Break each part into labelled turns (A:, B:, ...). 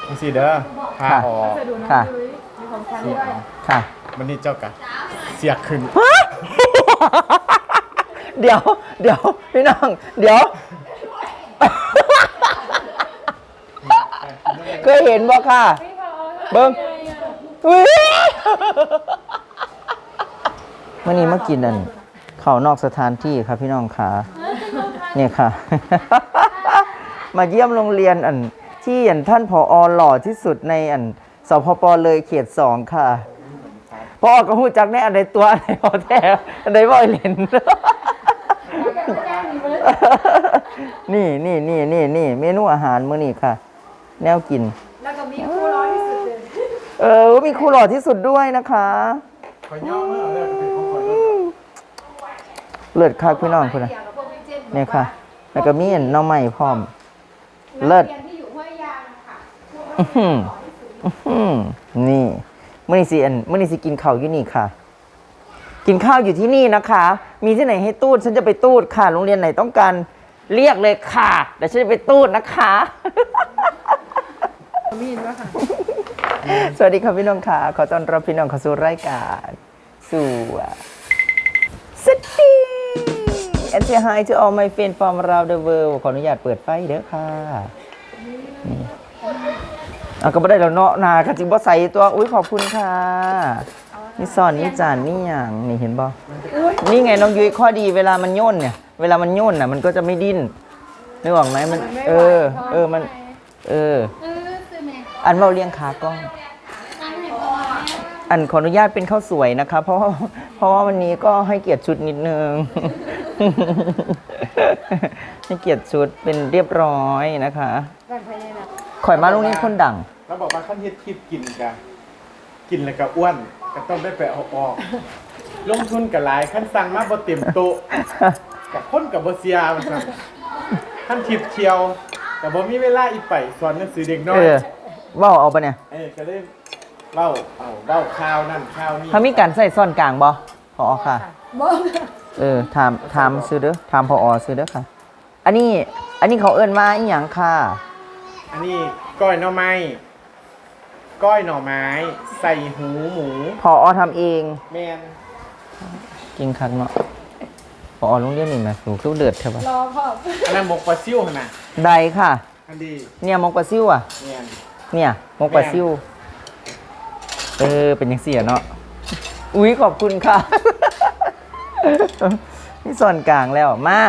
A: สิเด้อพาออก
B: ค่ะค่ะ
A: วันนี้เจ้ากะเสียขึ้น
B: เดี๋ยวพี่น้องเดี๋ยวเคยเห็นบ่ค่ะเบิ้งวันนี้มากินอันข้าวนอกสถานที่ครับพี่น้องค่ะเนี่ยค่ะมาเยี่ยมโรงเรียนอันที่อันท่านผอ.หล่อที่สุดในอันสพป.เลยเขต2ค่ะพอก็หูจักแน่อันใดตัวอันใดพอแท้อันใดบ่อยเล่นนี่เมนูอาหารมื้อนี้ค่ะแนวกิน
C: แล้วก็มีคู่ร้อยที่สุด
B: มีครูหล่อที่สุดด้วยนะคะ
A: ขอย่อเมื่อเลยเป็นของคน
B: เลิศค่ะพี่น้องคุณนะนี่ค่ะแล้วก็มีหน่อไม้พร้อมเลิศนี่มื้อนี้สิกินข้าวอยู่นี่ค่ะกินข้าวอยู่ที่นี่นะคะ มีที่ไหนให้ตูดฉันจะไปตูดค่ะโรงเรียนไหนต้องการเรียกเลยค่ะเดี๋ยวฉันจะไปตูดนะคะ
C: มีนว่าค่ะ
B: สวัสดีครับพี่น้องค่ะขอต้อนรับพี่น้องเข้าสู่รายการสู่สตี and say hi to all my friends from around the world ขออนุญาตเปิดไฟเด้อค่ะนี่ก็ไม่ได้แล้วเนาะนาค่ะจริงบ่ใส่ตัวอุ้ยขอบคุณค่ะนี่ซ่อนนี่จานนี่อย่างนี่เห็นบ่นี่ไงน้องยุ้ยข้อดีเวลามันโยนเนี่ยเวลามันโยนน่ะมันก็จะไม่ดิ้นนึกออกไหมมันมันอันเราเลี้ยงขากล้องอันขออนุญาตเป็นข้าวสวยนะคะเพราะว่าวันนี้ก็ให้เกียรติชุดนิดนึงให้เกียรติชุดเป็นเรียบร้อยนะคะข่อยมาโรงเรียนคนดัง
A: แล้วบอกว่าขั้นเฮ็ดคลิปกินกันกินแล้วก็อ้วนก็ต้องได้ไปเอาออกลงทุนกับหลายขั้นสั่งมาบ่เต็มโต๊ะกับคนกับบ่เสียว่าซั่นขั้นทิปเที่ยวแต่บ่มีเวลาอีกไปสอนหนังสือเด็กน้อย
B: เว้าเอาปะเนี่ย
A: ก็ได้เล่าข่าวนั่นข่าวนี่
B: ถ้ามีการใส่ซ่อนกลางบ่พอค่ะถามซื้อเด้อถามพอซื้อเด้อค่ะอันนี้เขาเอิ้นมาอีหยังค่ะ
A: อันนี้ก้อยหน่อไม้ใส่หูหมู
B: พอทำเอง
A: แม่น
B: กินคักเนาะพอโรงเรียนนี่แม่สูคือเดือดเถอะบ่
C: รอพ่อ
A: อันนั้นหมกปลาซิ่วหั่นน่ะ
B: ได้ค่ะ
A: อันดี
B: เนี่ยหมกปลาซิ่วอ่ะ
A: แม่น
B: เนี่ยหมกปลาซิ่วเป็นจังซี่อ่ะเนาะอุ๊ยขอบคุณค่ะนี่ส่วนกลางแล้วมา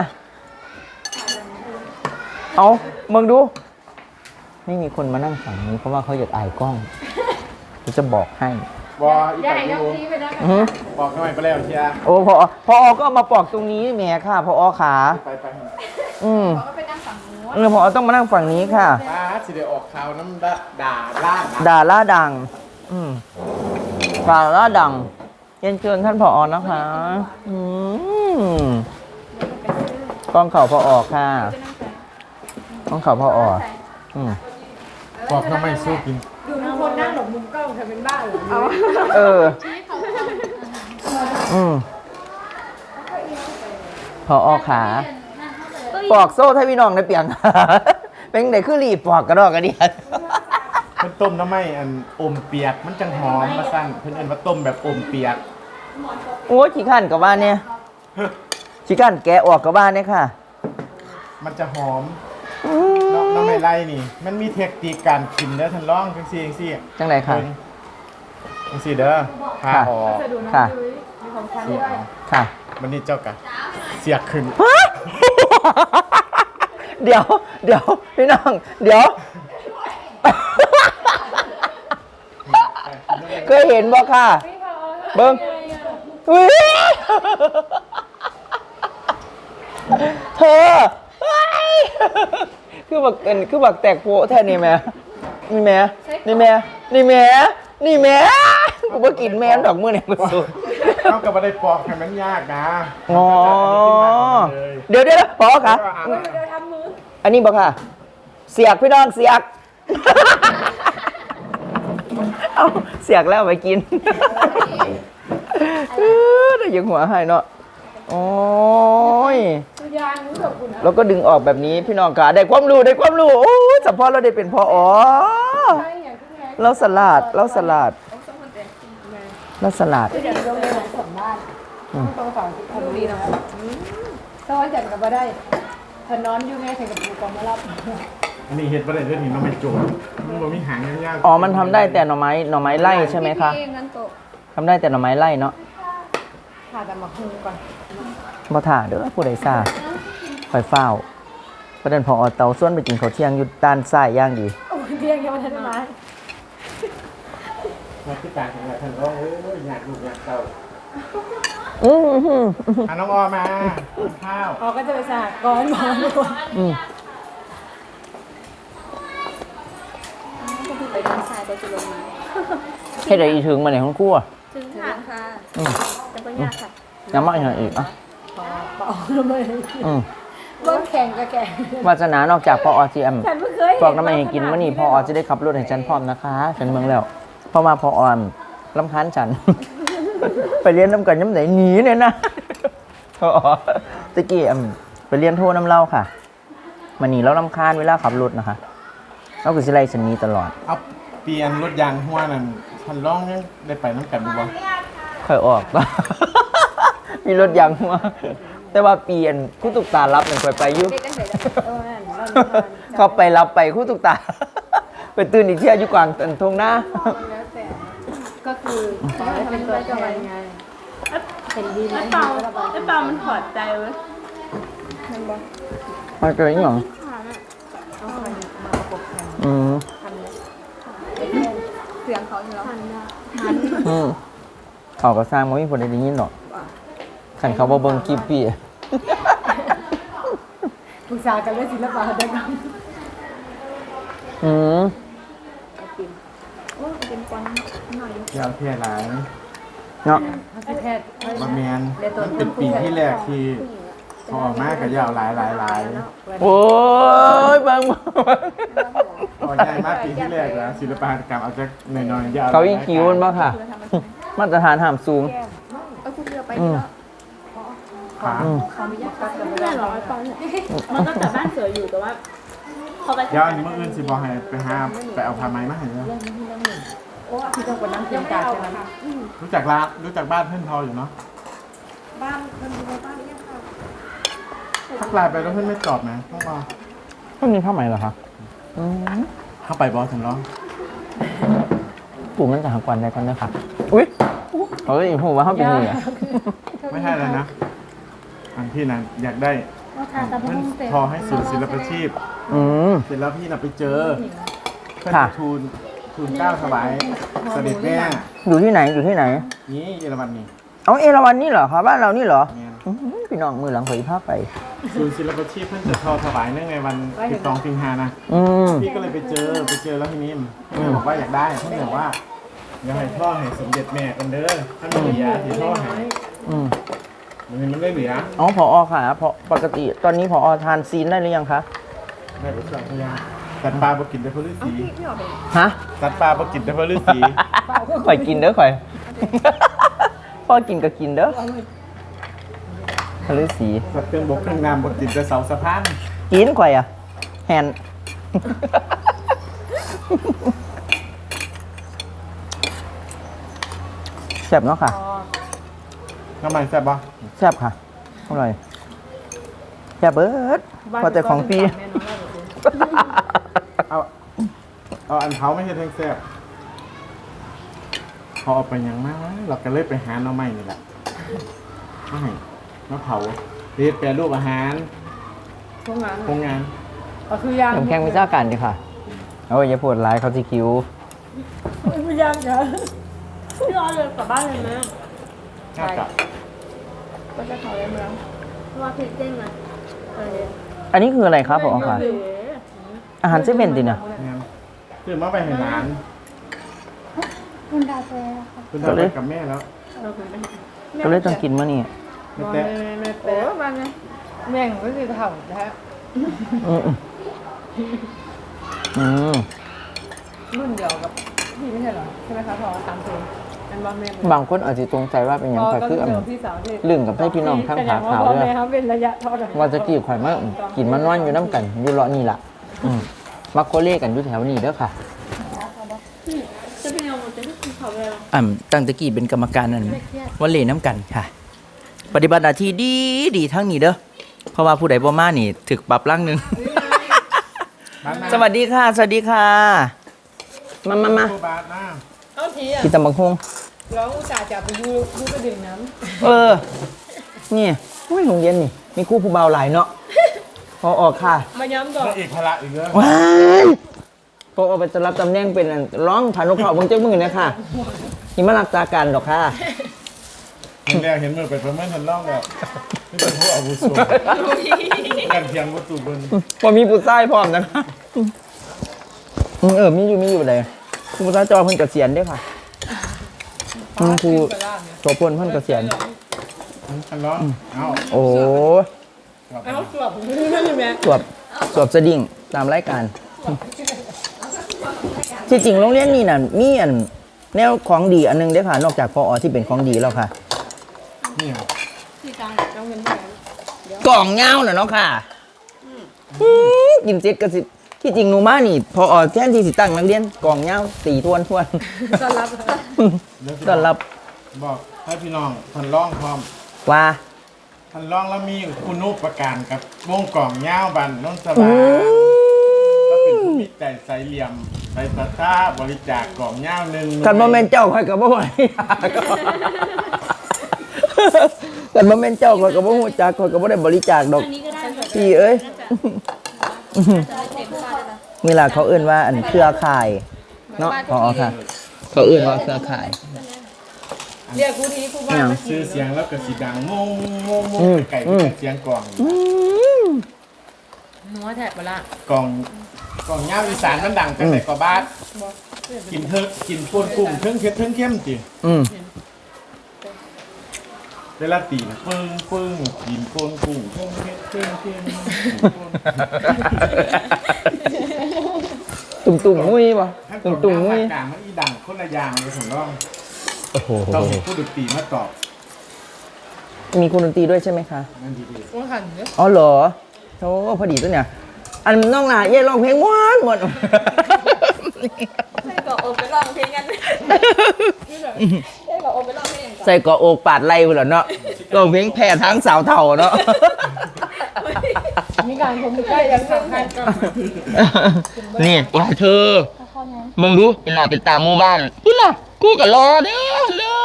B: เอามึงดูไม่มีคนมานั่งฝั่งนี้เพราะว่าเขาอยากอายกล้องจะบอกให้
A: อีไปดูบอกหน่อยไปแล้วเชียร์
B: โอ้พอก็มาปอกตรงนี้แหมค่ะพอขา
A: ไป
C: พอก็ไปนั่งฝั่ง
B: นู้นพอต้องมานั่งฝั่งนี้ค่ะ
A: สิได้ออกข่าวน้ำด่าล่าดัง
B: ด่าล่าดังเรียนเชิญท่านผอ.นะคะกล้องเข่าพอค่ะกล้องเข่าพอ
A: บอกทำไมสู้กิน
C: ดูทุกคนนั่งหลบมุมกล้องจะเป็นบ้าหรือ
B: พอขาปอกโซ่ให้พี่น้องได้เปียงเป็นไหนคือรีบปอกกระดอกกระเดียด
A: มันต้มน้ำไม่อันอมเปียกมันจังหอมมาสั่นเพิ่นเอิ้นว่าต้มแบบอมเปียก
B: โอ้ยขี้ข้านกับบ้านเนี่ยขี้ข้านแกะออกกับบ้านเนี่ยค่ะ
A: มันจะหอมน้ำไม่ไล่นี่มันมีเทคนิคการกินเด้อท่านร้องจังซี่
B: จังไรค่ะ
A: จังซี่เด้อพาออก
B: ค่ะค่ะ
A: วันนี้เจ้ากะเสียขึ้น
B: เดี๋ยวพี่น้องเดี๋ยวเคยเห็นบ่ค่ะเบิ้งเธอคือบักแตกโผแท้นี่แม่นี่แม่กูบ่กินแม่ดอกมื้อนี่กูสุด
A: เอากับบ่ได้ปอกให้มันยากนะ
B: อ๋อเดี๋ยวพอค่ะอันนี้บ่ค่ะเสียกพี่น้องเสียกเอาเสียกแล้วไปกินได้ยังหัวให้เนาะโอ้ย
C: ยางรู้แบบคุณนะ
B: แล้วก็ดึงออกแบบนี้พี่น้องขาได้ความรู้โอ้ยเฉพาะเราได้เป็นพออ๋อ
C: ใช่อย่างที่ไง
B: เราสลัดเราสลัด
C: คืออย่างโรงเรียนสมบ้านต้องฝากทำดีนะต้องวันจันทร์กับมาได้ถ้านอนอยู่แม่แข่งกับปูกองมารับ
A: อันนี้เฮ็ดบ่ได้เด้อนี่น้องไม่โจรมันบ่มีหางยาวๆ
B: อ๋อมันทำได้แต่หน่อไม้ไล่ใช่ไหมคะ
C: เองนั่นโต
B: ทำได้แต่หน่อไม้ไล่เนาะ
C: ผ่าแต่มาคุก่อน
B: บ่ถ่าเด้อผู้ใดซ่าคอยเฝ้าประเด็นพอเตาส่วนไปกินข้าวเที่ยงอยู่ด้านซ้ายย่างดี
C: โอ้ยเรียงยังไม่ทันได้มา
A: มาที่การของท่านร้องเอ้ยอยากลูกอยากเต้า
B: อือหือ
A: อ่ะน้องออมากินข้าว
C: ออกก็จะไปสหกรณ์มาทุกคน
B: อืม
D: ไปทางซ้ายก็จะลงมา
B: เฮ็ดได้อีถึงมาในห้องครัว
D: ถึงทางค่ะ
B: อืม
D: แต่ก็ยากค่ะ
B: ยังมาอีกหน่อยอีกอ่ะ
C: เปล่าทำไม
B: อืม
C: เบิ้งแข่งก็แข่ง
B: วาสนานอกจากพอ GM
C: ฉันไม่เคย
B: บอกน้ำมันให้กินมื้อนี้พอจะได้ขับรถให้ฉันพร้อมนะคะฉันเมืองแล้วเพราะว่าพอรำคาญฉัน ไปเรียนน้ำกันย้ำไหนหนีเนี่ยนะ พอตะกี้ไปเรียนโทน้ำเล่าค่ะมันหนีแล้วรำคาญเวลาขับรถนะคะเราคือสิไลฉันหนี้ตลอด
A: เอาเปลี่ยนรถยางหัวนั่นท่านร้องยังได้ไปน้ำกันบ่บ่
B: ค่อยออก มีรถยางหัวแต่ว่าเปลี่ยนคู่ตุกตารับหนึ่งไปอยู่
D: เด็กกันเสร็จแล้ว
C: นั่น
B: เขาไปรับไปคู่ตุกตา ไปตื่นอีกเที่ยอยู่กลางตันทงหน้า
C: แล้วแต่ก็คือขอให้เป็นตัวแทนไงเป็นดีไหม
D: ไอ้เปามันถอดใจเว้ย
C: มันบอก
B: มาเจออีกหรอ
C: เอาใครมาประกบกัน
B: อืม
C: ทำเลย
D: เสียงเขาอยู่แล้ว
B: อืมเขาก็สร้างมาไม่ผลได้ยินหรอกขันเขาบ่เบิ่งคลิปพี่
C: ปรึกษากันเรื่องศิลปะหัตถกรรม
B: อืม
D: โอ้เป็นกวางหน่อย
A: ยาวแค่หลาย
B: เนาะ
C: ทัศนแพทย์
A: บ่แม่นมันเป็นปีที่แรกที่พอออกมาก็ยาวหลาย
B: โอ้ยบาง
A: พอใหญ่มากปีที่แรกนะศิลปหัตถกรรมเอาจากน้อยๆยาว
B: เขาอีคิวมันบ่ค่ะ มาตรฐานห้ามสูง
D: เออคุณเรือไปนี่แล้ว
A: ขา
B: อืม
C: เขาไม่อยากกัดกัน
D: ไม่ได้หรอไอ้ปอนเนี่ยมันก็แต่บ้านสวยอยู่แต่ว่าพอไป
A: เดี๋ยวอันนี้มื้ออื่นสิบ่ให้ไปหาไปเอาผ้าไหมมาให้เด้อ
C: โอ้ที่ต้องกดน้ำเค็มกาดใช่ไหม
A: รู้จักบ้านเพื่อนทออยู่เนาะ
C: บ้านมันดูในบ้านยังค่ะ
A: ทักไลน์ไปแล้วเพื่อนไม่ตอบนะต้องรอ
B: ต้นนี้ผ้าไหมเหรอคะอืม
A: เข้าไปบอสถึงร้อง
B: ปลูกมันจะหากวันได้ก่อนนะคะอุ้ยเฮ้ยผมว่าเขาเป็นนี่อ่ะ
A: ไม่ใช่แล้วนะอันพี่นะอยากได้เพื่อนทอให้ศูนย์ศิลปาชีพ
B: อืม
A: เสร็จแล้วพี่น่ะไปเจอเพื่อน
B: ค่ะ
A: ทูลเกล้าถวายเสด็จแม่
B: อยู่ที่ไหนอยู่ที่ไหน
A: นี่เยอรมันนี่
B: เอาเอราวันนี่เหรอคะบ้านเรานี่เหรอ
A: เนี่ย
B: อื้อหือพี่น้องมือหลังเผยภาพไป
A: ศูนย์ศิลปาชีพเพื่อนจะทอถวายเนื่องในวัน12 สิงหานะ
B: อืม
A: พี่ก็เลยไปเจอแล้วทีนี้เพื่อนบอกว่าอยากได้เพื่อนบอกว่าอยากให้ท่อให้สมเด็จแม่กันเด้อท่านไม่เหลือที่ท่อให้
B: อืม
A: มันไม่เหลือ
B: อ๋อผอค่ะเพราะปกติตอนนี้ผอทานซีนได้หรือยังคะ
A: ได้ไปสองพยางสัตว์ปลาบ่กินแต่พฤาษี
B: ฮะ
A: สัตว์ปลาบ่กินแต่พฤาษี
B: ข่อยกินเด้อข่อย พ่อกินก็กินเด้อทะเลสี
A: สัตว์เครื่องบกเครื่องน้ำบ่กินแต่เสาสะพาน
B: กินข่อยอ่ะแฮน แซ่บเนาะค่ะ
A: น้ำมันแซ่บบ่
B: แซ่บค่ะอร่อยแซ่บเบิดพอแต่ของฟรี
A: เอาอันเผาไม่ใช่แทงแซ่บพอเอาไปหยังมากเราก็เลยไปหาหน่อไม้นี่แหละไม่มาเผาเรียดแปรรูปอาหาร
C: พวกนั้น
A: โครงงาน
C: ก็คือยาง
B: น้ำแข็งวิชาการดีค่ะเอาอย่าปวดร้ายเขาที่คิ้ว
C: ไม่ยางจ้ะ
D: พี่รอเลยกลับบ้านเลยไหม
A: น่ากับ
D: ก็จะขอเลยมั้งเพราะว่าเพชรเด้งนะเออ
B: อันนี้คืออะไรครับผมค่ะ
D: เอ๋
B: อาหารเซเว่นดินะ
A: งานคือมาไปให้หลาน
C: คุณดาแฟค่ะ
A: คุณทำไปกับแม่แล้ว
B: ก็เลยต้องกินมื้อนี้
A: ไม่แต่
C: แม่เป๊ะมาไงแม่งก็คือเถ่าแท้
B: อืมอืม
C: รุ่นเดียวกับพี่ไม่ใช่เหรอใช่ไหมคะพอตามเพลงมันว่าแม่
B: บางคนอาจจะสงสัยว่าเป็นหยังไงคืออัน
C: พี่สาวที่
B: ลึงกับให้พี่น้องทั้งขาขาว
C: แสดง
B: ด้วย
C: แม่เขาเป็นระยะเท่าไหร่
B: ว่าจะกี่ข่อยมากินมานอนอยู่น้ำกันอยู่เลาะนี่ล่ะมักโคเล่กันอยู่แถวนี้เด้อค่ะ
D: จะเป็นยังไงจะได้กินเขาเลยหรอ
B: ตั้งแตะกี้เป็นกรรมการนั่นวันเล่น้ำกันค่ะ ปฏิบัติหน้าที่ดีทั้งนี้เด้อเพราะว่าผู้ใดบ่มานี่ถึกปรับร่างหนึง สวัสดีค่ะ สวัสดีค่ะ มา
A: ครูบาทนะ
C: เอาทีอ่ะ
B: พี่ตำบักฮง
C: ร้องอุตส่าห์จะไปยูไปดื่มน้
B: นี่อุ้ยโรงเรียนนี่ มีครู่ผู้เบาหลายเนาะพอออกค่ะ
C: ำมาย้ำก่อน
A: แล้วอีกพละอีกเรื่อง
B: ว้ายพอออกไปจะรับตำแหน่งเป็นร้องผ่านนกเขาเบิ่งเจ้ามือเนี่ยค่ะนี่มารักษาการดอกค่ะ
A: เห็นแล้วเห็นมือไปประเมินทันล่องแล้วนี่เป็นผู้อาวุโสกันเพียงวัตถุบน
B: พอมีผู้ชายพร้อมนะคะมีอยู่เลยผู้ชายจอเพิ่นเกษียณเด้วยค่ะครูโสพลเพิ่นเกษียณ
A: ทันล่องเอา
B: โอ้
C: เอาสวบนั่นใช่ไหม
B: สวบสดิ้งตามรายการที่จริงโรงเรียนนี่น่ะมีอันแนวของดีอันนึงเด้อค่ะ นอกจากพอที่เป็นของดีแล้วค่ะ
A: นี่
C: ที่กลางต้องเป็นแบบ
B: กล่องเงาน่ะเนาะค่ะกินเจ็ดกระสิที่จริงหนูมานี่ พอแทนที่สิตั้งนักเรียนกล่องเงาตีทวน
C: ต้อนรับ
B: ต้อนรับ
A: บอกให้พี่น้องทันล่องพร้อม
B: ว่า
A: ทันล่องแล้วมีคุณูปการกับวงกล่องเงาบันน้องสบายก็เป็นผู้มีใจใสเหลี่ยมไปตาตาบริจาคกล่องเงาหนึ่ง
B: กันโมเมนเจ้าคอยกับบ่ไหวกันโมเมนเจ้าคอยกับบ่หูจักคอยกับบ่ได้บริจาคดอก
D: อันนี้ก็ได้
B: พี่เอ้ย
D: เต็มชาตินะ
B: เวลาเขาเอื้นว่าอันเครือข่ายเนาะพอค่ะ เขาเอื้นว่าเครือข่าย
C: เรียกกูทีกูบ้านมา
A: ซื้อเสียงแล้วก็สีดังโง่ไก่เสียงกล่อง
C: นัวแทบมาละ
A: กล่องเงาอีสานมันดังแต่ไหนก็บ้านกินเพิ่งกินป่นกุ้งเพิ่งเผ็ดเพิ่งเข้มจี เวลาตีนะปึ้งกินป่นกุ้งเพิ่งเผ็ดเพิ่งเข้ม
B: ตุ่มมุ้ยป่ะ
A: ถ้า
B: ตุ่ม
A: กล่อง
B: มุ้ย
A: เงาภาคกลางมันอีดังคนละอย่างเลยผมร้อง
B: โอ้โห
A: ต้องมีผู้ดนตรีมาตอบ
B: มีคุณดนตรีด้วยใช่ไหมคะ
A: นั่นดี
C: ว่าหันเนี่ย
B: อ๋อเหรอโธ่พอดีตัวเนี่ย อันน้องหลาเย่ร้องเพลงหวานหมด
D: ให้กับโอไปลองเพลงกันให้กับโอไปลองเพลงกัน
B: ใส่เกาะอกปาดไหล่ไปแล้วเนาะร้องเพลงแผ่ทั้งสาวเท่าเนาะ
C: มีการคมใกล้ยังทำให้ก็
B: นี่ว่าเธอมึงรู้เป็นหน้าเป็นตาหมู่บ้านกูล่ะกูก็รอเด้อเด้อ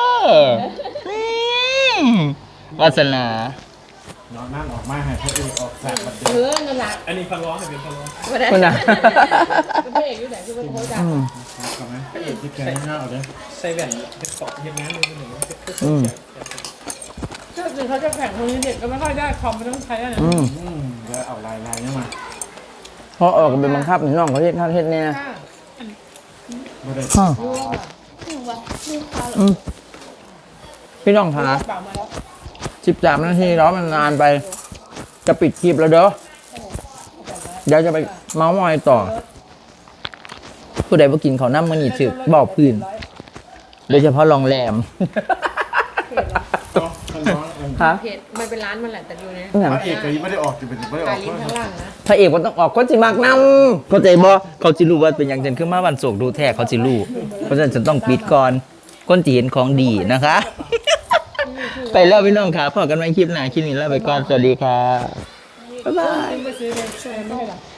B: วาสนา
A: ๆนอนนั่งออกมาให้พระเอกออกสากบัดเด
C: นั่นแหละ
A: อันนี้ฟังร้องให้เป็นฟังร้อง
B: คุณน่ะ
C: เป็นพระเอกอยู่ไหนคือเป็นโค้ชอ่ะ
A: ก่อนไหมพระเอกที่แกงเงาเลย
E: ใส่แว่นเป็นเกาะเย็นน้ำเลยหนึ่ง
C: ก็คือเขาจะแข่งคนนี้เด็กก็ไม่ค่อยได้คอมไม่ต้องใช้อะไร
A: แล้วเอาลายนี่มา
B: พอออกเป็นบังคับน้องเขาเฮ็ดข้างเฮ็ดเนี่ย
A: ไม่ได้
B: พี่น้องคะ
C: เปล่ามาแล้ว
B: 13 นาทีแล้วมันนานไป จะปิดคลิปแล้วเด้อเดี๋ยวจะไปเมาส์มอยต่อ ผู้ใดบ่กินเขาวน้ำมันนี่ถึกบอกพื้น โดยเฉพาะโรงแรม
A: ต้องฟังร้อง
B: ฮะ
C: เพจมันเป็นร้านมันแหละแต่ดูนะ
B: อย่าง
A: พระเอกก็ยังไม่ได้ออกจะเป็นไม่ได้อ
C: กา
A: อ
C: ร
A: ก
C: ลิ้นข้างล่างนะ
B: พระเอกมันต้องออกคนสิมากนำเข้าใจบ่เขาสิรู้ว่าเป็นอย่างฉันคือมาวันโศกดูแท้เขาสิรู้เพราะฉะนั้นฉันต้องปิดก่อนคนที่เห็นของดีนะคะ ไปแล้วพี่น้องค่ะพอกันใหม่คลิปหน้าคลิปนี้แล้วไปก่อนสวัสดีค่ะบ๊ายบาย
C: ไปซื้อเลยไม่ใช่หรอ